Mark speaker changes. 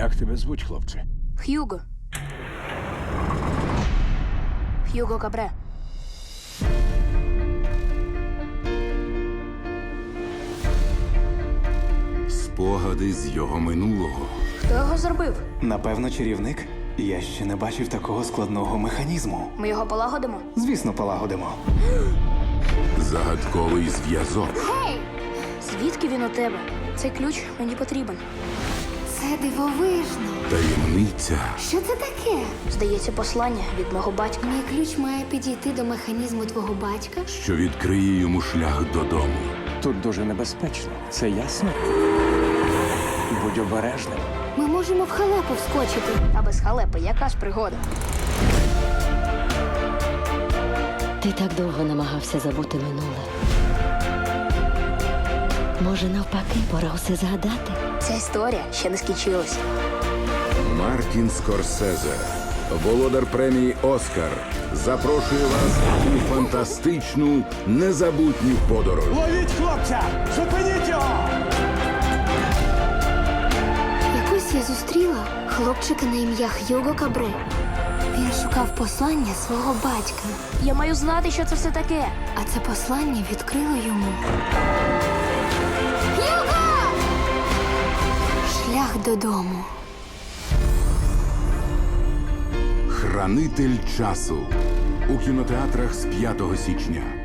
Speaker 1: Як тебе звуть, хлопче?
Speaker 2: Х'юго. Х'юго Кабре.
Speaker 3: Спогади з його минулого.
Speaker 2: Хто його зробив?
Speaker 4: Напевно, чарівник. Я ще не бачив такого складного механізму.
Speaker 2: Ми його полагодимо?
Speaker 4: Звісно, полагодимо.
Speaker 3: Загадковий зв'язок.
Speaker 2: Звідки він у тебе? Цей ключ мені потрібен.
Speaker 5: Це дивовижно.
Speaker 3: Таємниця.
Speaker 5: Що це таке?
Speaker 2: Здається, послання від мого батька.
Speaker 5: Мій ключ має підійти до механізму твого батька.
Speaker 3: Що відкриє йому шлях додому.
Speaker 1: Тут дуже небезпечно. Це ясно? Будь обережним.
Speaker 5: Ми можемо в халепу вскочити.
Speaker 2: А без халепи яка ж пригода?
Speaker 6: Ти так довго намагався забути минуле. Може, навпаки, пора усе згадати.
Speaker 2: Ця історія ще не скінчилась.
Speaker 3: Мартін Скорсезе, володар премії «Оскар», запрошує вас у фантастичну, незабутню подорож.
Speaker 1: Ловіть хлопця! Зупиніть його!
Speaker 5: Якось я зустріла хлопчика на ім'я Х'юго Кабре. Він шукав послання свого батька,
Speaker 2: Я маю знати, що це все таке.
Speaker 5: а це послання відкрило йому. Х'юго! Шлях додому.
Speaker 3: Хранитель часу у кінотеатрах з 5 січня.